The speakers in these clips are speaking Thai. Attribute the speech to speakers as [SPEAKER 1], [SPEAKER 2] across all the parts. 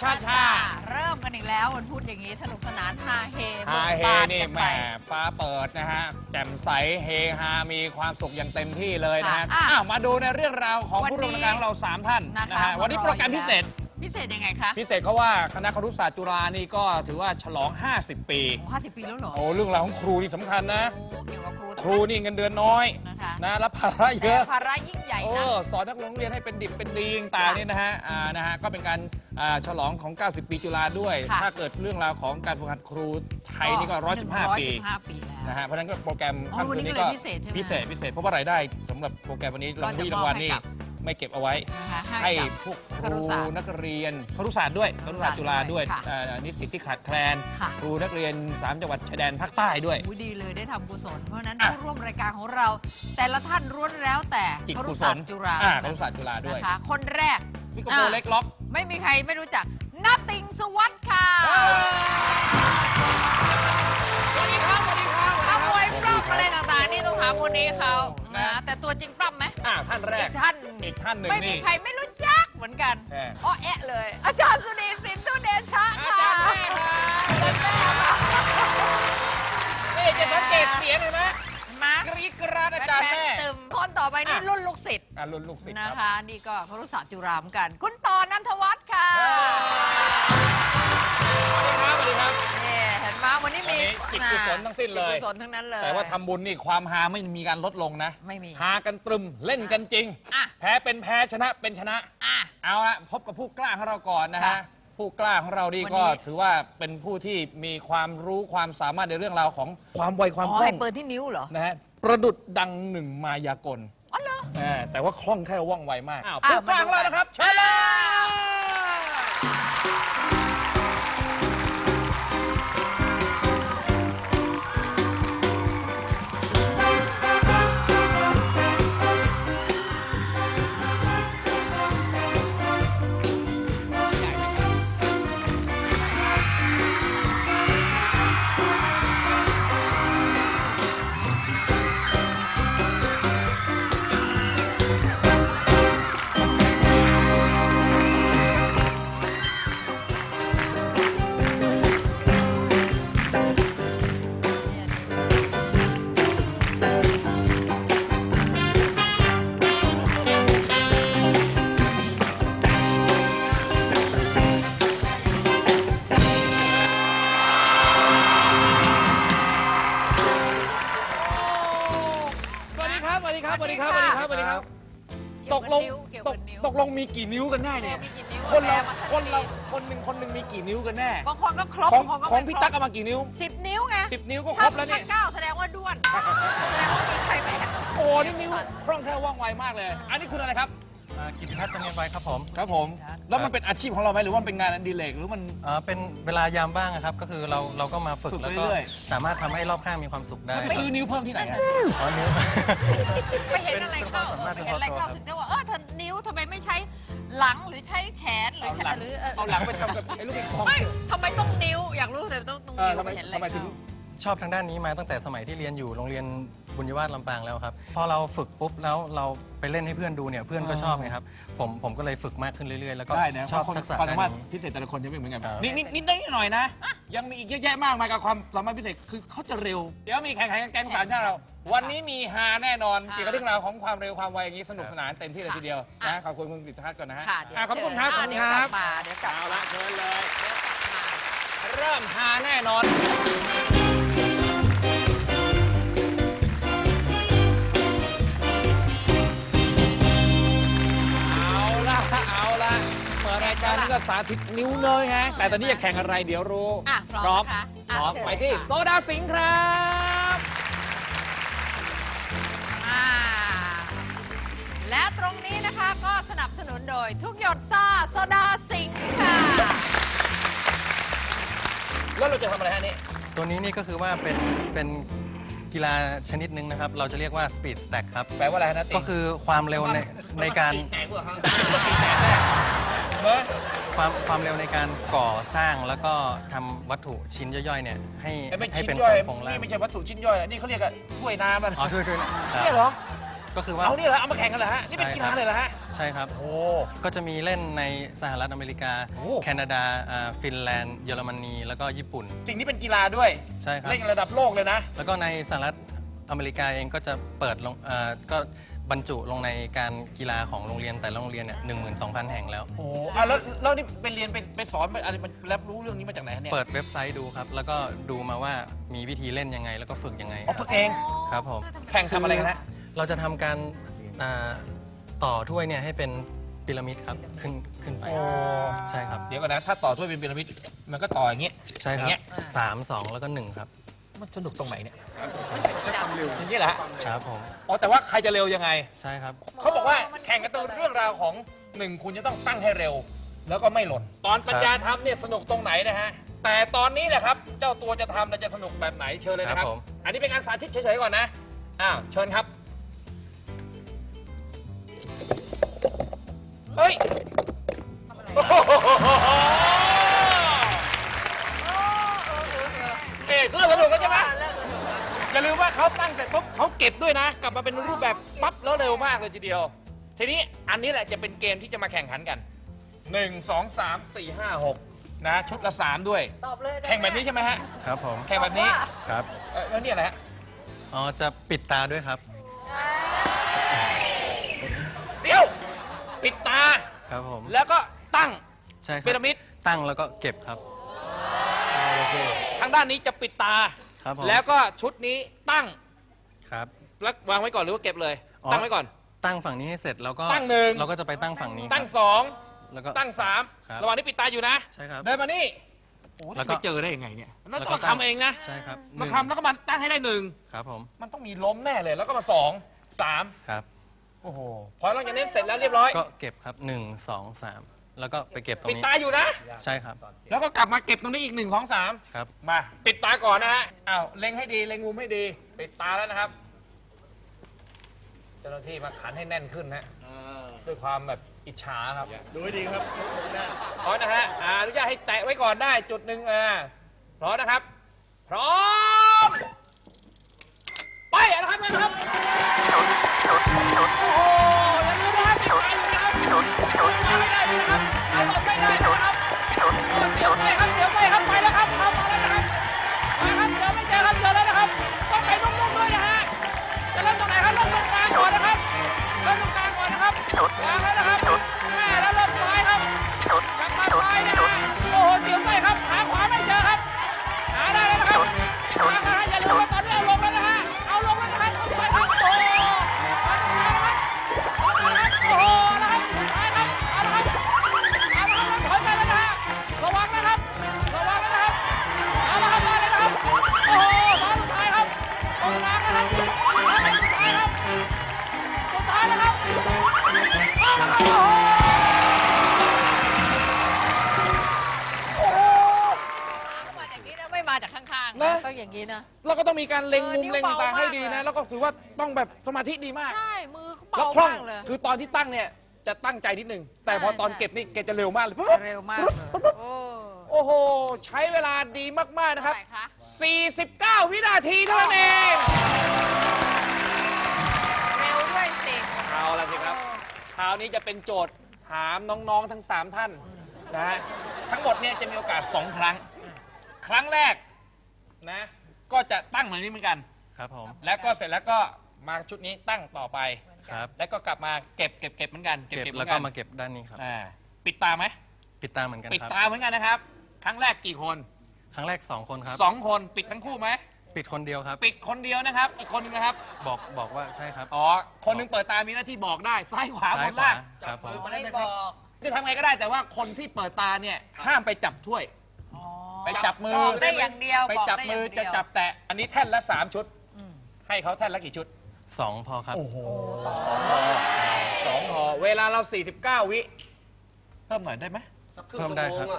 [SPEAKER 1] ชา
[SPEAKER 2] เริ่มกันอีกแล้ววันพุธอย่างนี้สนุกสนานฮาเฮ
[SPEAKER 1] ฮาเฮ นี่
[SPEAKER 2] กัน
[SPEAKER 1] แหม
[SPEAKER 2] ไป
[SPEAKER 1] ฟ้าเปิดนะฮะแจ่มใสเฮฮามีความสุขอย่างเต็มที่เลยนะฮะ
[SPEAKER 2] ค่ะ
[SPEAKER 1] อ้าวมาดูในเรื่องราวของ
[SPEAKER 2] วันนี้
[SPEAKER 1] ผู้ร่วมรายการของเรา3ท่าน
[SPEAKER 2] นะคะ
[SPEAKER 1] นะฮะวันนี้โปรแกรมพิเศษ
[SPEAKER 2] พิเศษยังไงคะ
[SPEAKER 1] พิเศษเขาว่าคณะครุศาสตร์จุฬานี่ก็ถือว่าฉลอง 50 ปี
[SPEAKER 2] 50 ปีแล้วเหรอ
[SPEAKER 1] โอ้เรื่องราวของครูนี่สำคัญนะ
[SPEAKER 2] โอ้เกี่ยวกับครู
[SPEAKER 1] ครูนี่เงินเดือนน้อย
[SPEAKER 2] นะคะ
[SPEAKER 1] นะรับภาระเย
[SPEAKER 2] แต่
[SPEAKER 1] อะ
[SPEAKER 2] ภาระยิ่งใหญ่
[SPEAKER 1] โอ้
[SPEAKER 2] นะ
[SPEAKER 1] สอนนักเรียนให้เป็นดิบเป็นดีต่างๆนี่นะฮะนะฮะก็เป็นการฉลองของ 90 ปีจุฬาด้วย
[SPEAKER 2] ค่ะ
[SPEAKER 1] ถ้าเกิดเรื่องราวของการฝึกหัดครูไทยนี่ก็ 115 ปี
[SPEAKER 2] 115 ปีแล้ว
[SPEAKER 1] นะฮะเพราะฉะนั้นก็โปรแกรม
[SPEAKER 2] อ๋อ
[SPEAKER 1] ค่ำคืนนี้
[SPEAKER 2] วันนี้
[SPEAKER 1] ก็
[SPEAKER 2] เลยพิเศษใช่ไหม
[SPEAKER 1] พิเศษเพราะว่ารายได้สำหรับโปรแกรมวันนี้
[SPEAKER 2] ก็จะ
[SPEAKER 1] รางวัลนี่
[SPEAKER 2] มอบให้กับ
[SPEAKER 1] ไม่เก็บเอาไว้
[SPEAKER 2] นะคะ
[SPEAKER 1] ให้
[SPEAKER 2] กับ
[SPEAKER 1] พวกค
[SPEAKER 2] ครุ
[SPEAKER 1] รู
[SPEAKER 2] ศาสตร์
[SPEAKER 1] นักเรียนครุศาสตร์ด้วยครุศาสตร์จุฬาด้วย
[SPEAKER 2] ค่ะ
[SPEAKER 1] นิสิตที่ขาดแคลน
[SPEAKER 2] ค่ะ
[SPEAKER 1] ครูนักเรียน3จังหวัดชายแดนภาคใต้ด้วย
[SPEAKER 2] อุ๊ยดีเลยได้ทำกุศล เพราะฉะนั้น
[SPEAKER 1] อ่ะ
[SPEAKER 2] ผู้ร่วมรายการของเรา แต่ละท่านล้วนแล้วแต่
[SPEAKER 1] จิต
[SPEAKER 2] ครุ
[SPEAKER 1] กุศ
[SPEAKER 2] ศาสต
[SPEAKER 1] ล
[SPEAKER 2] ร์จุฬา
[SPEAKER 1] ครุศาสตร์จุฬาด้วย
[SPEAKER 2] นะคะคนแรก
[SPEAKER 1] นี่ก็โปรเล็กล็อก
[SPEAKER 2] ไม่มีใครไม่รู้จักนาติงสวัสดิ์ค่ะ
[SPEAKER 1] สวัสดีครับสวัสดีครับ
[SPEAKER 2] ขโมยปล้ำอะไรต่างๆนี่ต้องถามคนนี้เขา
[SPEAKER 1] นะ
[SPEAKER 2] นะแต่ตัวจริงปล้ำไหม
[SPEAKER 1] ท่านแร
[SPEAKER 2] อี
[SPEAKER 1] ก
[SPEAKER 2] กท่าน
[SPEAKER 1] อีกท่านหนึ่ง
[SPEAKER 2] ไม่มี
[SPEAKER 1] นี่
[SPEAKER 2] ใครไม่รู้จักเหมือนกัน
[SPEAKER 1] แหม
[SPEAKER 2] อ้อแอะเลย อาจารย์สุนีสินทุเดชะ
[SPEAKER 1] อา
[SPEAKER 2] ค่ะ
[SPEAKER 1] จารย์แม่ครับนี่จะสังเกตเสียงเห็นไหม
[SPEAKER 2] มาก
[SPEAKER 1] รี๊ดกราดอาจารย์
[SPEAKER 2] แฟน
[SPEAKER 1] แม่
[SPEAKER 2] ๆตึมคนต่อไปนี่
[SPEAKER 1] อ่ะ
[SPEAKER 2] รุ่นลูกศิษย์
[SPEAKER 1] รุ่นลูกศิษย์
[SPEAKER 2] นะ
[SPEAKER 1] ค
[SPEAKER 2] คะ
[SPEAKER 1] รับ
[SPEAKER 2] นี่ก็ครุศาสตร์จุฬาเหมือนกัน คุณต่อนันทวัฒน์ค่ะ
[SPEAKER 1] สวัสดีครับ
[SPEAKER 2] นี่เห็นไหมวันนี้มี
[SPEAKER 1] วันนี้จิตกุศลทั้งสิ้นเลย
[SPEAKER 2] จิตกุศลทั้งนั้นเลย
[SPEAKER 1] แต่ว่าทำบุญนี่ความฮาไม่มีการลดลงนะ
[SPEAKER 2] ไม่มี
[SPEAKER 1] ฮากันตรึมเล่นกันจริง
[SPEAKER 2] อ่ะ
[SPEAKER 1] แพ้เป็นแพ้ชนะเป็นชนะ
[SPEAKER 2] อ่ะ
[SPEAKER 1] เอาละพบกับผู้กล้าของเราก่อนนะ
[SPEAKER 2] ค่ะ
[SPEAKER 1] ฮะผู้กล้าของเรานี่
[SPEAKER 2] วัน
[SPEAKER 1] ก็
[SPEAKER 2] นี้
[SPEAKER 1] ถือว่าเป็นผู้ที่มีความรู้ความสามารถในเรื่องราวของความไวความ
[SPEAKER 2] อ๋อ
[SPEAKER 1] คล่อ
[SPEAKER 2] ให้
[SPEAKER 1] ง
[SPEAKER 2] เปิดที่นิ้วเหรอ
[SPEAKER 1] นะฮะประดุดดังหนึ่งมายากล
[SPEAKER 2] อ๋อเหรอ
[SPEAKER 1] แต่ว่าคล่องแคล่วว่องไวมากอ้าว
[SPEAKER 2] อ่ะ
[SPEAKER 1] ผู้กล้าของเรานะครับเชิญเลย สวัสดีครับ สวัสดีครับ สวัสดีครับ สวัสดีครับ สวัสดีครับ ตกลง
[SPEAKER 2] เกี่ยว
[SPEAKER 1] ต
[SPEAKER 2] กับ
[SPEAKER 1] ก
[SPEAKER 2] นิ้ว
[SPEAKER 1] ตกลงมีกี่นิ้วกันแน่เนี่ย
[SPEAKER 2] มีกี่นิ้ว
[SPEAKER 1] คนเรา
[SPEAKER 2] แปลมาสัก
[SPEAKER 1] คนเรา
[SPEAKER 2] ที
[SPEAKER 1] คนหนึ่งมีกี่นิ้วกันแน่
[SPEAKER 2] บางคนก็ครบ
[SPEAKER 1] ของ
[SPEAKER 2] บางคนก็
[SPEAKER 1] ของ
[SPEAKER 2] ไม่
[SPEAKER 1] พี่
[SPEAKER 2] คร
[SPEAKER 1] ตั๊ก
[SPEAKER 2] บ
[SPEAKER 1] เอามากี่นิ้ว
[SPEAKER 2] 10 นิ้วไง
[SPEAKER 1] 10 นิ้วก็ครบแล้วเนี่ย
[SPEAKER 2] ถ้า9แสดงว่าด้วน แสดงว่ามีใครแพ้
[SPEAKER 1] โอ้นี่นิ้วคล่องแคล่วว่องไวมากเลย อันนี้คุณอะไรครับ
[SPEAKER 3] กิติพัฒน์จำเนียนไว้ครับผม
[SPEAKER 1] ครับผม แล้วมันเป็นอาชีพของเราไหมหรือว่ามันเป็นงานอดิเรกหรือมัน
[SPEAKER 3] เป็นเวลายามว่างอะครับ ก็คือเราก็มาฝึก
[SPEAKER 1] ฝึก
[SPEAKER 3] แล้วก็
[SPEAKER 1] เรื่อย
[SPEAKER 3] สามารถทำให้รอบข้างมีความสุขได้
[SPEAKER 1] ไปซื้อนิ้วเพิ่มที่ไหนอะ
[SPEAKER 3] อ๋อนิ้ว
[SPEAKER 2] ไปเห็นอะไรเข้า
[SPEAKER 3] เป็นความสามารถ
[SPEAKER 2] ไปเห็นอะไรเข้า
[SPEAKER 3] เฉพาะตัว
[SPEAKER 2] ถึงได้ว่าถ้านิ้วทำไมไม่ใช้หลังหรือใช้แขนหรือใช้หรือ
[SPEAKER 1] เอาหลังไปทำกับไอ้ลูกปิงปอง
[SPEAKER 2] ไม่ทำไมต้องนิ้ว อยากรู้แต่ต้องนิ้ว
[SPEAKER 1] ทำไม
[SPEAKER 2] ไปเห็นอะไร
[SPEAKER 1] ทำไมถึง
[SPEAKER 2] เข้า
[SPEAKER 3] ชอบทางด้านนี้มาตั้งแต่สมัยที่เรียนอยู่โรงเรียนบุญยวาสลำปางแล้วครับ พอเราฝึกปุ๊บแล้วเราไปเล่นให้เพื่อนดูเนี่ยเพื่อนก็ชอบไงครับผมก็เลยฝึกมากขึ้นเรื่อยๆ แล้วก็
[SPEAKER 1] ได้นะ
[SPEAKER 3] ชอบ
[SPEAKER 1] เพราะ
[SPEAKER 3] ทักษะ
[SPEAKER 1] ความ
[SPEAKER 3] ด้า
[SPEAKER 1] สาน มารถ
[SPEAKER 3] นี้
[SPEAKER 1] พิเศษแต่ละคนจะไม่เหมือนกัน
[SPEAKER 3] ครับ
[SPEAKER 1] นิดหน่อยนะ ยังมีอีกเยอะแยะมากมายกับความสามารถพิเศษคือเขาจะเร็ว เดี๋ยวมีแข่งขันกันแก๊งสารชาติเรา วันนี้มีฮาแน่นอนเกี่ยวกับเรื่องราวของความเร็วความไวอย่างนี้สนุกสนานเต็มที่เลยทีเดียวนะขอบคุณคุณกิตทัศน์ก่อนนะฮะ
[SPEAKER 2] ค่ะเดี๋ยว
[SPEAKER 1] ขอบคุณครับขอบ
[SPEAKER 2] เดี๋
[SPEAKER 1] คุ
[SPEAKER 2] ยว
[SPEAKER 1] ณ
[SPEAKER 2] ก
[SPEAKER 1] ค
[SPEAKER 2] ลั
[SPEAKER 1] รั
[SPEAKER 2] บบ มาเดี๋ยวกลับ
[SPEAKER 1] เอา
[SPEAKER 2] มา
[SPEAKER 1] ละเชิญเลย
[SPEAKER 2] เดี๋ยวกลับมา
[SPEAKER 1] เริ่มฮาแน่นอน เอาละเปิดรายการนี้ก็สาธิตนิ้วเนยฮะ แต่ตอนนี้จะแข่งอะไรเดี๋ยวรู้
[SPEAKER 2] อ่ะพร้อมนะคะ
[SPEAKER 1] พร้อม
[SPEAKER 2] เชิญ
[SPEAKER 1] ไปที่
[SPEAKER 2] เลยค่ะ
[SPEAKER 1] โซดาสิงห์ครับ
[SPEAKER 2] อ่าและตรงนี้นะคะก็สนับสนุนโดยทุกหยดซ่าโซดาสิงค์ค่ะ
[SPEAKER 1] แล้วเราจะทำอะไรฮะนี่
[SPEAKER 3] ตัวนี้นี่ก็คือว่าเป็นกีฬาชนิดหนึ่งนะครับ เราจะเรียกว่า speed stack ครับ
[SPEAKER 1] แปลว่าอะไรนะติ
[SPEAKER 3] ก็คือความเร็วในการ
[SPEAKER 1] เฮ้ย
[SPEAKER 3] ความเร็วในการก่อสร้างแล้วก็ทำวัตถุชิ้นย่อยๆเนี่ยให้
[SPEAKER 1] ไม่
[SPEAKER 3] ให้
[SPEAKER 1] ชิ้น
[SPEAKER 3] เป็น
[SPEAKER 1] ย่อย
[SPEAKER 3] โครงร่าง
[SPEAKER 1] นี่ไม่ใช่วัตถุชิ้นย่อยนะนี่เขาเรียกว่าถ้วยน้ำนะ
[SPEAKER 3] อ๋อด้วยนะครั
[SPEAKER 1] เนี่ยเหรอ
[SPEAKER 3] ตก็คือว่า
[SPEAKER 1] เอานี่เหรอเอามาแข่งกันเหรอฮะนี่เป็นกีฬาเลยเหรอฮะ
[SPEAKER 3] ใช่ครับ
[SPEAKER 1] โอ้
[SPEAKER 3] ก็จะมีเล่นในสหรัฐอเมริกา
[SPEAKER 1] โอ้
[SPEAKER 3] แคนาดาฟินแลนด์ เยอรมนี แล้วก็ญี่ปุ่น
[SPEAKER 1] สิ่งนี้เป็นกีฬาด้วย
[SPEAKER 3] ใช่ครับ
[SPEAKER 1] เล่นกันระดับโลกเลยนะ
[SPEAKER 3] แล้วก็ในสหรัฐอเมริกาเองก็จะเปิดลงก็บรรจุลงในการกีฬาของโรงเรียนแต่ละโรงเรียนเนี่ย12,000 แห่งแล้ว
[SPEAKER 1] โอ้อ่ะแล้วนี่ไปเรียนไปสอนไปอะไรมันรับรู้เรื่องนี้มาจากไหนฮะเนี่ย
[SPEAKER 3] เปิดเว็บไซต์ดูครับ แล้วก็ดูมาว่ามีวิธีเล่นยังไง แล้วก็ฝึกยังไง
[SPEAKER 1] อ๋อฝึกเอง
[SPEAKER 3] ครับผม
[SPEAKER 1] แข่งทำอะไรกันฮะ
[SPEAKER 3] เราจะทำการต่อถ้วยเนี่ยให้เป็นพีระมิดครับขึ้นไป
[SPEAKER 1] โอ้
[SPEAKER 3] ใช่ครับ
[SPEAKER 1] เดี๋ยวก่อนนะถ้าต่อถ้วยเป็นพีระมิดมันก็ต่ออย่างงี้
[SPEAKER 3] ใช่ค
[SPEAKER 1] อ
[SPEAKER 3] รั
[SPEAKER 1] ย่างเงี้ย
[SPEAKER 3] บ3 2 แล้วก็ 1 ครับ
[SPEAKER 1] มันสนุกตรงไหนเนี่ยอย่างนี้แหละ
[SPEAKER 3] ครับผม
[SPEAKER 1] อ๋อแต่ว่าใครจะเร็วยังไง
[SPEAKER 3] ใช่ครับ
[SPEAKER 1] เขาบอกว่าแข่งกันตัวเรื่องราวของหนึ่งคุณจะต้องตั้งให้เร็ว แล้วก็ไม่หล่น ตอนปัญญาทำเนี่ยสนุกตรงไหนนะฮะ แต่ตอนนี้แหละครับ เจ้าตัวจะทำแล้วจะสนุกแบบไหนเชิญเลยนะครับ
[SPEAKER 3] ครับผม
[SPEAKER 1] อันนี้เป็นการสาธิตเฉยๆก่อนนะ อ้าวเชิญครับ เฮ้ย
[SPEAKER 2] ทำอะไร
[SPEAKER 1] โอ้
[SPEAKER 2] อะ
[SPEAKER 1] โห
[SPEAKER 2] เออ
[SPEAKER 1] เริ่มสนุกแล้วใช่ไหม
[SPEAKER 2] เลิกสนุกแล้ว
[SPEAKER 1] อย่าลืมว่าเขาตั้งเสร็จปุ๊บเขาเก็บด้วยนะ กลับมาเป็นรูปแบบปั๊บแล้วเร็วมากเลยทีเดียว ทีนี้อันนี้แหละจะเป็นเกมที่จะมาแข่งขันกัน 1 2 3 4 5 6 นะ ชุดละ 3 ด้วย
[SPEAKER 2] ตอบเลยได้ไหม
[SPEAKER 1] แข่งแบบนี้ใช่ไหมฮะ
[SPEAKER 3] ครับผม
[SPEAKER 1] แข่งแบบนี้
[SPEAKER 3] ครับ
[SPEAKER 1] แล้วนี่อะไรฮะ
[SPEAKER 3] อ๋อจะปิดตาด้วยครับ
[SPEAKER 1] เดี๋ยว ปิดตา
[SPEAKER 3] ครับผม
[SPEAKER 1] แล้วก็ตั้ง
[SPEAKER 3] ใช่ครั
[SPEAKER 1] พีระมิด
[SPEAKER 3] ตั้งแล้วก็เก็บครับ
[SPEAKER 1] ทางด้านนี้จะปิดตา
[SPEAKER 3] ครับผม
[SPEAKER 1] แล้วก็ชุดนี้ตั้ง
[SPEAKER 3] ครับ
[SPEAKER 1] แล้ววางไว้ก่อนหรือว่าเก็บเลย
[SPEAKER 3] อ๋อ
[SPEAKER 1] ตั้งไว้ก่อน
[SPEAKER 3] ตั้งฝั่งนี้ให้เสร็จแล้วก็
[SPEAKER 1] ตั้งหนึ่ง
[SPEAKER 3] เราก็จะไปตั้งฝั่งนี้
[SPEAKER 1] ตั้ง
[SPEAKER 3] ครับ
[SPEAKER 1] สอง
[SPEAKER 3] แล้วก็
[SPEAKER 1] ตั้งสาม
[SPEAKER 3] ครับ
[SPEAKER 1] ระหว่างนี้ปิดตาอยู่นะ
[SPEAKER 3] ใช่ครับ
[SPEAKER 1] เดินมานี่โอ้
[SPEAKER 3] แล้ว
[SPEAKER 1] จะ
[SPEAKER 3] ก็
[SPEAKER 1] ไปเจอได้ยังไงเนี่ยแล้ว
[SPEAKER 3] แล้ว
[SPEAKER 1] ต้
[SPEAKER 3] ก็
[SPEAKER 1] องทำเองนะ
[SPEAKER 3] ใช่ครับ
[SPEAKER 1] มา
[SPEAKER 3] หนึ่ง
[SPEAKER 1] ทำแล้วก็มาตั้งให้ได้หนึ่ง
[SPEAKER 3] ครับผม
[SPEAKER 1] มันต้องมีล้มแน่เลย แล้วก็มาสองสาม
[SPEAKER 3] ครับ
[SPEAKER 1] โอ้โหพอหลังจากนี้เสร็จแล้วเรียบร้อย
[SPEAKER 3] ก็เก็บครับ1 2 3 แล้วก็ไปเก็บตรง
[SPEAKER 1] ปิด
[SPEAKER 3] นี้
[SPEAKER 1] ตาอยู่นะ
[SPEAKER 3] ใช่ครับ
[SPEAKER 1] แล้วก็กลับมาเก็บตรงนี้อีก1 2 3
[SPEAKER 3] ครับ
[SPEAKER 1] มาปิดตาก่อนนะฮะอ้าวเล็งให้ดีเล็งมุมให้ดีปิดตาแล้วนะครับเจ้าหน้าที่มาขันให้แน่นขึ้นนะด้วยความแบบอิจฉาครับ
[SPEAKER 4] ดูให้ดีครับได้
[SPEAKER 1] พร้อมนะฮะอนุญาตให้แตะไว้ก่อนได้จุดหนึ่งพร้อมนะครับ พร้อม ไปนะครับนะครับโอ้โหอย่าลืมนะครับปิดตาอยู่นะครับไม่ได้นะครับเอาหลบไม่ได้นะครับเดี๋ยวไปครับเดี๋ยวไปครับไปแล้วครับเข้ามาแล้วนะครับมาครับเดี๋ยวไม่เจอครับเจอแล้วนะครับต้องไปนุ่มๆด้วยนะฮะจะเริ่มตรงไหนครับเริ่มตรงกลางก่อนนะครับเริ่มตรงกลางก่อนนะครับกลางแล้วนะครับแม่แล้วเริ่มซ้ายครับกลับมาซ้ายนะฮะโอ้โหเสียวไปครับหาขวาไม่เจอครับหาได้แล้วนะครับมาครับอย่าลืมว่าตอนนี้เอาลงแล้วนะฮะเอาลงแล้วนะครับเอาไปครับโอ้โหมาตรงกลางนะครับโอ้โหนะครับไปครับเอาละครับเอาละครับถอยไปแล้วนะฮะระวังนะครับระวังนะครับเอาละครับมาเลยนะครับโอ้โหมาสุดท้ายครับตรงกลางนะครับมาเป็นสุดท้ายครับสุดท้ายนะครับเอาละครับโอ้โห
[SPEAKER 2] มาจากนี้นะไม่มาจากข้างๆ
[SPEAKER 1] นะ
[SPEAKER 2] ต้องอย่างนี้นะ
[SPEAKER 1] แล้วก็ต้องมีการเล็งมุม
[SPEAKER 2] นิ้ว
[SPEAKER 1] เล็งต่างๆให้ดี
[SPEAKER 2] เบามาก
[SPEAKER 1] นะ
[SPEAKER 2] เลย
[SPEAKER 1] แล้วก็ถือว่าต้องแบบสมาธิดีมาก
[SPEAKER 2] ใช่ มือเขา
[SPEAKER 1] แล้ว
[SPEAKER 2] เบา
[SPEAKER 1] คล่อง
[SPEAKER 2] มากเลย
[SPEAKER 1] คือตอนที่ตั้งเนี่ยจะตั้งใจนิดนึง แต่พอตอนเก็บนี่แกจะเร็วมากเลย
[SPEAKER 2] เร็วมากเลยโอ้
[SPEAKER 1] โอ้โห ใช้เวลาดีมากๆนะครับ
[SPEAKER 2] เท่าไหร่คะ
[SPEAKER 1] 49 วินาทีเท่านั้นเอง
[SPEAKER 2] เร็วด้วยสิ
[SPEAKER 1] เอาละสิครับ คราวนี้จะเป็นโจทย์ถามน้องๆทั้ง 3 ท่านนะฮะ ทั้งหมดเนี่ยจะมีโอกาส 2 ครั้ง ครั้งแรกนะก็จะตั้งเหมือนนี้เหมือนกัน
[SPEAKER 3] ครับผม
[SPEAKER 1] แล้วก็เสร็จแล้วก็มาชุดนี้ตั้งต่อไป
[SPEAKER 3] ครับ
[SPEAKER 1] แล้วก็กลับมาเก็บเหมือนกัน
[SPEAKER 3] เก็บ
[SPEAKER 1] เหมื
[SPEAKER 3] แล้
[SPEAKER 1] อ
[SPEAKER 3] วน ก็
[SPEAKER 1] กัน
[SPEAKER 3] มาเก็บด้านนี้ครับ
[SPEAKER 1] ปิดตาไหม
[SPEAKER 3] ปิดตาเหมือนกัน
[SPEAKER 1] ปิด
[SPEAKER 3] ครับ
[SPEAKER 1] ตาเหมือนกันนะครับ ครั้งแรกกี่คน
[SPEAKER 3] ครั้งแรก 2 คนครับ
[SPEAKER 1] 2 คนปิดทั้งคู่ไหม
[SPEAKER 3] ปิดคนเดียวครับ
[SPEAKER 1] ปิดคนเดียวนะครับ อีกคนหนึงนะครับ
[SPEAKER 3] บอกว่าใช่ครับ
[SPEAKER 1] อ๋อคนหนึงเปิดตามีหน้าที่บอกได้ซ้ายขวาบ
[SPEAKER 3] ซ้าย
[SPEAKER 1] น
[SPEAKER 3] ขวา
[SPEAKER 1] ล่าง
[SPEAKER 3] ครับผม
[SPEAKER 2] ไม่บอก
[SPEAKER 1] จะทำไงก็ได้แต่ว่าคนที่เปิดตาเนี่ยห้ามไปจับถ้วย
[SPEAKER 2] อ๋อ
[SPEAKER 1] ไปจับมือ
[SPEAKER 2] บอกได้อย่างเดียว
[SPEAKER 1] ไป
[SPEAKER 2] บอก
[SPEAKER 1] จับ
[SPEAKER 2] ได้
[SPEAKER 1] มือ
[SPEAKER 2] อย่าง
[SPEAKER 1] จะ
[SPEAKER 2] เดียว
[SPEAKER 1] จับแตะอันนี้แท่นละ3 ชุด
[SPEAKER 2] อืม
[SPEAKER 1] ให้เขาแท่นละกี่ชุด
[SPEAKER 3] 2 พอครับ
[SPEAKER 1] โอ้โห2 ห่อเวลาเรา 49 วิเพิ่มหน่อยได้ไหม
[SPEAKER 3] เพิ่มได้ครับ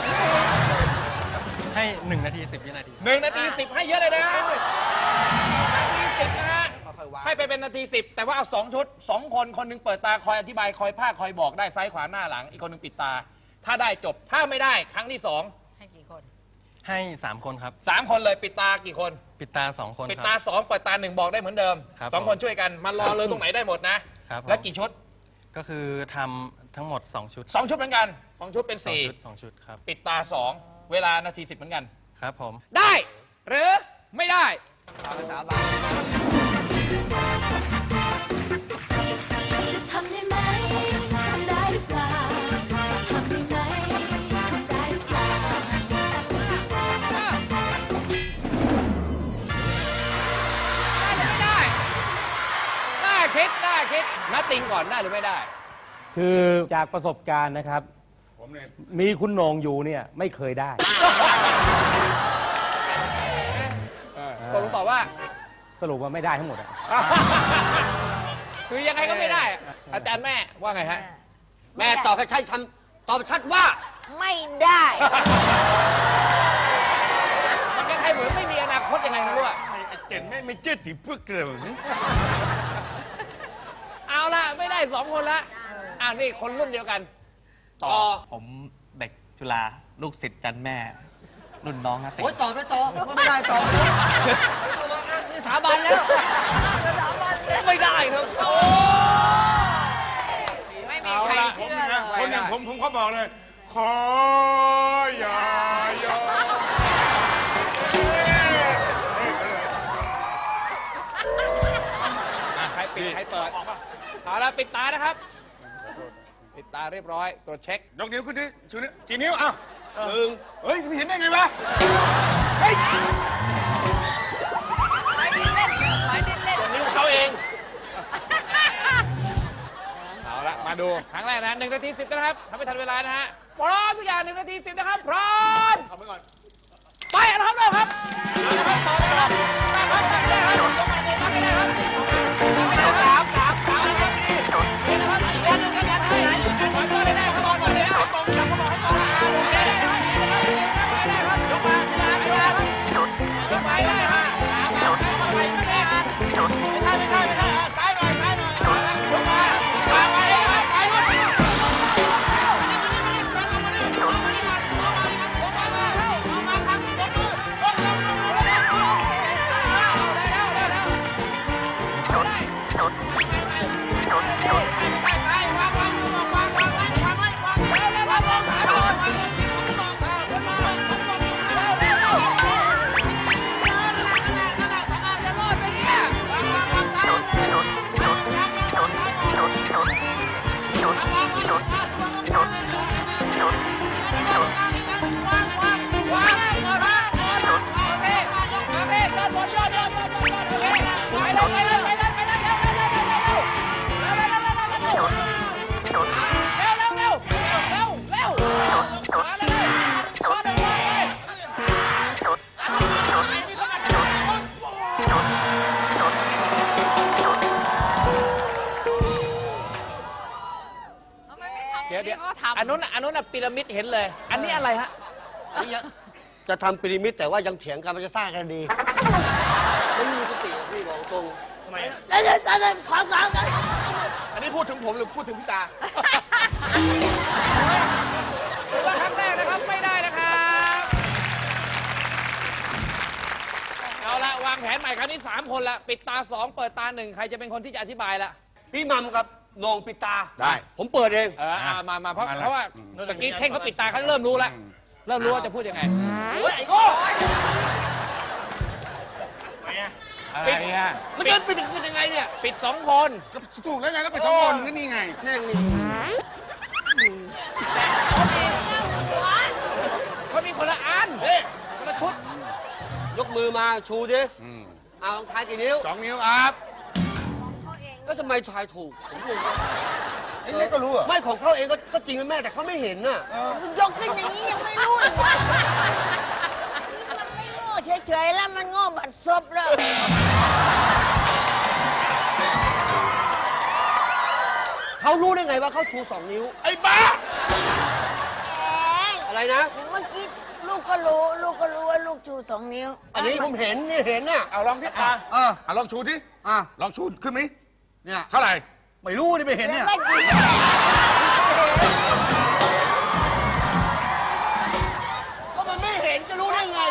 [SPEAKER 3] ให้1 นาที 10 วินาที
[SPEAKER 1] 1 นาที 10 ให้เยอะเลยนะนาที 10 นะฮะ
[SPEAKER 4] ค่อยๆวาง
[SPEAKER 1] ให้ไปเป็นนาที 10 แต่ว่าเอา 2 ชุด 2 คนคนหนึงเปิดตาคอยอธิบายคอยภาคคอยบอกได้ซ้ายขวาหน้าหลัง อีกคนหนึงปิดตา ถ้าได้จบถ้าไม่ได้ครั้งที่ 2
[SPEAKER 2] ให้กี่คน
[SPEAKER 3] ให้3คนครับ
[SPEAKER 1] 3 คนเลยปิดตากี่คน
[SPEAKER 3] ปิดตา2 คน
[SPEAKER 1] ปิด
[SPEAKER 3] ครับ
[SPEAKER 1] ตา2เปิดตา1บอกได้เหมือนเดิม
[SPEAKER 3] ครับ
[SPEAKER 1] 2 คนช่วยกันมารอเลยตรงไหนได้หมดนะ
[SPEAKER 3] ครับผม
[SPEAKER 1] แล้วกี่ชุด
[SPEAKER 3] ก็คือทำทั้งหมด2 ชุด
[SPEAKER 1] 2 ชุดเหมือนกัน2 ชุดเป็น
[SPEAKER 3] 2 ชุดครับ
[SPEAKER 1] 4ปิดตา2เวลานาที10เหมือนกัน
[SPEAKER 3] ครับผม
[SPEAKER 1] ได้หรือไม่ได้
[SPEAKER 4] จะทำได้ไหม ทำได้หรือเปล่า จะทำได้ไหม ทำได้หรือเปล่า
[SPEAKER 1] ได้น่าคิดนัดติงก่อนได้หรือไม่ได้
[SPEAKER 5] คือจากประสบการณ์นะครับ มีคุณโหน่งอยู่เนี่ยไม่เคยได้
[SPEAKER 1] ตกลงตอบว่า
[SPEAKER 5] สรุปว่าไม่ได้ทั้งหมดอะ
[SPEAKER 1] คือยังไงก็ไม่ได้ อาจารย์แม่ว่าไงฮะ
[SPEAKER 6] แม่ตอบให้ใช่ทำตอบชัดว่า
[SPEAKER 2] ไม่ได้
[SPEAKER 1] มันคล้ายๆเหมือนไม่มีอนาคตยังไงไม่รู้อะ
[SPEAKER 7] เจนไม่เจ็ดสิเพื่อเกลือ
[SPEAKER 1] เอาละไม่ได้2 คนละนี่คนรุ่นเดียวกัน
[SPEAKER 6] ต่อ
[SPEAKER 8] ผมเด็กจุฬาลูกศิษย์จันแม่ รุ่นน้องนะติ
[SPEAKER 6] โอ้ยตอบไม่ตอบไม่ได้ตอบนี่สาบานแล้ว
[SPEAKER 8] ไม่ได้ครับ
[SPEAKER 2] ไม่มีใครเชื่อเลย
[SPEAKER 7] คนอย่างผมเขาบอกเลย ขออย่ายอม
[SPEAKER 1] ใครปิดใครเปิดเอาละปิดตานะครับ ปิดตาเรียบร้อยตรวจเช็ค
[SPEAKER 7] ยกนิ้วขึ้นดิชูนิ้วกี่นิ้วอ้าวเฮ้ยไม่เห็นได้ไงวะเฮ้ย
[SPEAKER 2] หลายดินเล่นหลายดินเล่น
[SPEAKER 7] นิ้วเขาเอง
[SPEAKER 1] เอาละมาดูครั้งแรกนะ1 นาที 10นะครับทำไม่ทันเวลานะฮะพร้อมทุกอย่าง1 นาที 10นะครับพร้อม
[SPEAKER 7] ทำไปก่อน
[SPEAKER 1] ไปนะครับเริ่มครับเอาละครับต่อเลยครับตั้งครับตั้งได้ครับตั้งไม่ได้ครับ3นะครับนี่นะครับอีกเล่นหนึ่งครับได้ขอตัวเลยได้ครับบอกเลยนะครับบอกจับเขาบอกให้บอกได้ครับได้ครับยกมาได้ครับยกไปได้ครับไม่ได้ครับไม่ใช่ซ้ายหน่อยยกมาวางไว้ได้ครับไปหมดเดี๋ยวอันนู้นพีระมิดเห็นเลย อันนี้อะไรฮะ
[SPEAKER 6] จะทำพีระมิดแต่ว่ายังเถียงกันมันจะสร้างกันดีไม่มีสติพี่บอกตรง
[SPEAKER 7] ทำไม
[SPEAKER 6] ความกลางกัน
[SPEAKER 7] อันนี้พูดถึงผมหรือพูดถึงพี่ตา
[SPEAKER 1] ถือว่าครั้งแรกนะครับไม่ได้นะครับเอาละวางแผนใหม่ครั้งนี้3 คนละปิดตา2เปิดตา1ใครจะเป็นคนที่จะอธิบายละ
[SPEAKER 6] พี่มัมกับโหนงปิดตา
[SPEAKER 7] ได้
[SPEAKER 6] ผมเปิดเอง
[SPEAKER 1] มาเพราะว่าตะกี้เท่งเขาปิดตาเขาเริ่มรู้แล้วเริ่มรู้ว่าจะพูดยังไง
[SPEAKER 6] โอ้ยไอ้โง่
[SPEAKER 7] อะไรอ่ะ
[SPEAKER 6] มันจะปิดยังไงเนี่ย
[SPEAKER 1] ปิด2 คน
[SPEAKER 7] ก็ถูกแล้วไงก็ไปสองคนก็นี่ไง
[SPEAKER 6] แม่งนี่
[SPEAKER 1] เขามีคนละอัน
[SPEAKER 6] เฮ้ย
[SPEAKER 1] คนละชุด
[SPEAKER 6] ยกมือมาชูดิเอาลองทายกี่นิ้ว
[SPEAKER 7] 2 นิ้วครับ
[SPEAKER 6] แล้วทำไมทายถูกผมงง
[SPEAKER 7] ไอ้เล็กก็รู้เหรอ
[SPEAKER 6] ไม่ของเขาเองก็จริงนะแม่แต่เขาไม่เห็นน่ะ
[SPEAKER 9] ยกขึ้นอย่างนี้ยังไม่รู้อีกว่ามันไม่โง่เฉยๆแล้วมันโง่บัดซบแล้ว
[SPEAKER 6] เขารู้ได้ไงว่าเขาชู2 นิ้ว
[SPEAKER 7] ไอ้บ้า
[SPEAKER 6] อะไรนะ
[SPEAKER 9] เมื่อกี้ลูกก็รู้ว่าลูกชู2 นิ้ว
[SPEAKER 6] อันนี้ผมเห็นนี่เห็นน่ะ
[SPEAKER 7] เอาลองที่ตาลองชูที่
[SPEAKER 6] อ่ะ
[SPEAKER 7] ลองชูขึ้นไหม
[SPEAKER 6] เนี่ย
[SPEAKER 7] เท่าไหร่
[SPEAKER 6] ไม่รู้นี่ไม่เห็นเนี่ย
[SPEAKER 9] ไม่จริง
[SPEAKER 6] ก็มันไม่เห็นจะรู้ได้ไง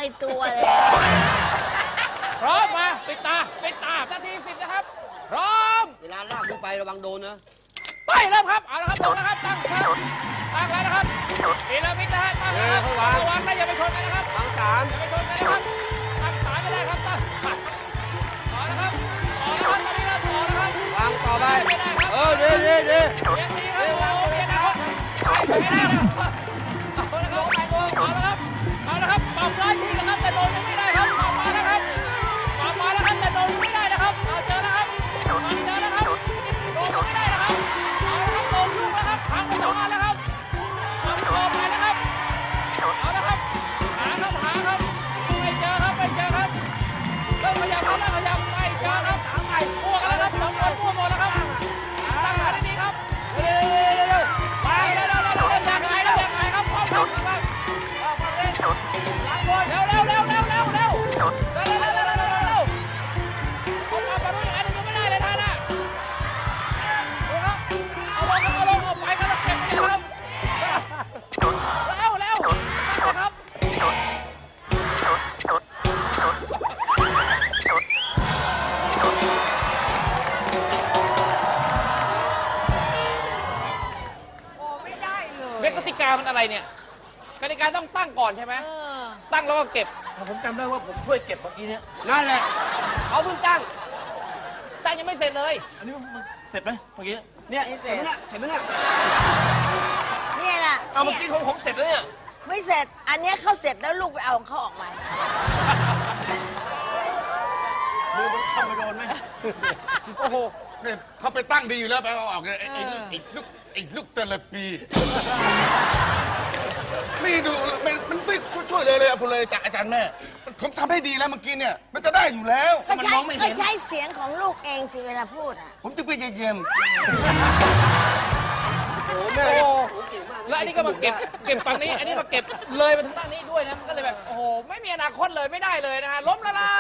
[SPEAKER 9] อยตัวเลย
[SPEAKER 1] พร้อมมาปิดตานาที 10 นะครับ พร้อม
[SPEAKER 6] เวลาลากมึงไประวังโดนนะ
[SPEAKER 1] ไปเริ่มครับ เอาละครับลงนะครับ ตั้งครับตั้งแล้วนะครับพีระมิดนะฮะตั้งแล้วครับระวังนะอย่าไปชนกันนะครับ
[SPEAKER 6] วางสาม
[SPEAKER 1] อย่าไปชนกันนะครับ ตั้งสายไม่ได้ครับ ตั้งมาต่อนะครับต่อนะครับตอนนี้เริ่มต่อนะครับ
[SPEAKER 6] วางต่อไป
[SPEAKER 1] ไม่ได้ครับ
[SPEAKER 6] ดี
[SPEAKER 1] เรียนดีครับโอ้เรียนนะครับไม่ได้นะครับเอาละครับเอาละครับเอาละครับปรับร้อยทีนะครับแต่โดนยังไม่ได้ครับปรับมาแล้วครับปรับมาแล้วครับแต่โดนยังไม่ได้นะครับเอาเจอแล้วครับเจอแล้วครับโดนยังไม่ได้นะครับเอาละครับโดนลูกแล้วครับพังไป2 อันแล้วครับปรับตัวไปนะครับเอาละครับหาครับไม่เจอครับเริ่มขยับครับไม่เจอครับพวกกันแล้วครับ2 คนพวกหมดแล้วครับตั้งขาดีๆครับ
[SPEAKER 6] เร็ววาง
[SPEAKER 1] อยากไงครับพร้อมครับเร็วเอามาดูอย่างนั้นยังไม่ได้เลยท่านน่ะดูครับเอาลงเอาไปกันแล้วเก็บไปครับเร็วนะครับ
[SPEAKER 2] โอ้ไม่ได้เลย
[SPEAKER 1] เวกติกามันอะไรเนี่ยกติกาต้องตั้งก่อนใช่ไหม
[SPEAKER 2] เออ
[SPEAKER 1] ตั้งแล้วก็เก็บ
[SPEAKER 7] ผมจำได้ว่าผมช่วยเก็บเมื่อกี้เนี้ย
[SPEAKER 6] นั่นแหละเขาเพิ่งตั้ง
[SPEAKER 1] ตั้งยังไม่เสร็จเลย
[SPEAKER 7] อันนี้มันเสร็จไหมเมื่อกี้
[SPEAKER 6] เนี่ยเสร็จไหมเนี่ยเสร็จไหมเนี่ย
[SPEAKER 9] เนี่ยแหละ
[SPEAKER 7] เอาเมื่อกี้ของผมเสร็จแล้วเนี่ย
[SPEAKER 9] ไม่เสร็จ อันเนี้ยเขาเสร็จแล้วลูกไปเอาของเขาออกมา
[SPEAKER 7] มือมันเข้าไปโดนไหม
[SPEAKER 1] โอ้โห
[SPEAKER 7] เนี่ยเขาไปตั้งดีอยู่แล้วไปเอาออกเลยไอ้ลูกเตลปี ไม่ดูมันไม่ช่วยเลยผมเลยจากอาจารย์แม่ ผมทำให้ดีแล้วเมื่อกี้เนี่ย มันจะได้อยู่แล้ว
[SPEAKER 9] ก็
[SPEAKER 7] มัน
[SPEAKER 9] ใช้
[SPEAKER 7] มองไม่
[SPEAKER 9] ก็
[SPEAKER 7] เห็น
[SPEAKER 9] ใช้เสียงของลูกเองสิเวลาพูดอ่ะ
[SPEAKER 7] ผมจะไปเยี่ยม
[SPEAKER 6] โอ้แม่
[SPEAKER 1] โอ้
[SPEAKER 6] โอ้เก่งมาก
[SPEAKER 1] แล้วอันนี้ก็มาเก็บฝั่งนี้ อันนี้มาเก็บเลยมาถึงด้านนี้ด้วยนะ มันก็เลยแบบ โอ้โห ไม่มีอนาคตเลยไม่ได้เลยนะฮะ ล้มละลาย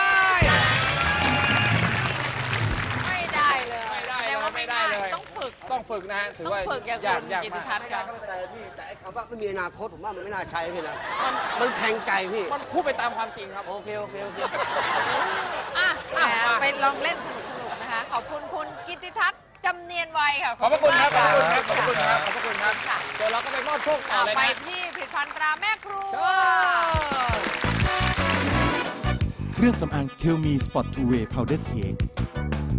[SPEAKER 2] ไม่ได้เลย
[SPEAKER 1] ไม่ได้
[SPEAKER 2] แต่ว่า
[SPEAKER 1] ไม่
[SPEAKER 2] ไม่
[SPEAKER 1] ได้
[SPEAKER 2] ได้
[SPEAKER 1] เลย
[SPEAKER 2] ต้องฝึก
[SPEAKER 1] ต้องฝึกนะฮะ ถือ
[SPEAKER 2] ต้อง
[SPEAKER 1] ว่า
[SPEAKER 2] ฝึกอย่าง
[SPEAKER 1] ยาก
[SPEAKER 2] คุณ
[SPEAKER 1] ยาก
[SPEAKER 2] กิติ
[SPEAKER 1] มาก
[SPEAKER 2] ทัศน์
[SPEAKER 6] ไม่
[SPEAKER 2] ค
[SPEAKER 6] ได้
[SPEAKER 2] รับ
[SPEAKER 6] ก็ไม่เป็นไรพี่แต่ไอ้คำว่าไม่มีอนาคตผมว่ามันไม่น่าใช้พี่นะมันแทงใจพี่
[SPEAKER 1] มันพูดไปตามความจริงครับ
[SPEAKER 6] โอเค
[SPEAKER 2] อ่ะ
[SPEAKER 1] อ่ะ
[SPEAKER 2] แหม
[SPEAKER 1] มา
[SPEAKER 2] ไปลองเล่นสนุกๆนะคะ ขอบคุณคุณกิติทัศน์จำเนียนไวยค่ะ
[SPEAKER 1] ขอบพระคุณครับ ขอบ
[SPEAKER 2] มาก
[SPEAKER 1] พระคุณครับ ขอบพระคุณครับ
[SPEAKER 2] ค่ะ
[SPEAKER 1] เดี๋ยวเราก็ไปมอบโชคต่อเลย
[SPEAKER 2] ไป
[SPEAKER 1] นะ
[SPEAKER 2] ที่ผลิตภัณฑ์ตราแม่ครัว
[SPEAKER 10] เครื่องสำอางเคลมีสปอตทูเวย์พาวเดอร์เค้ก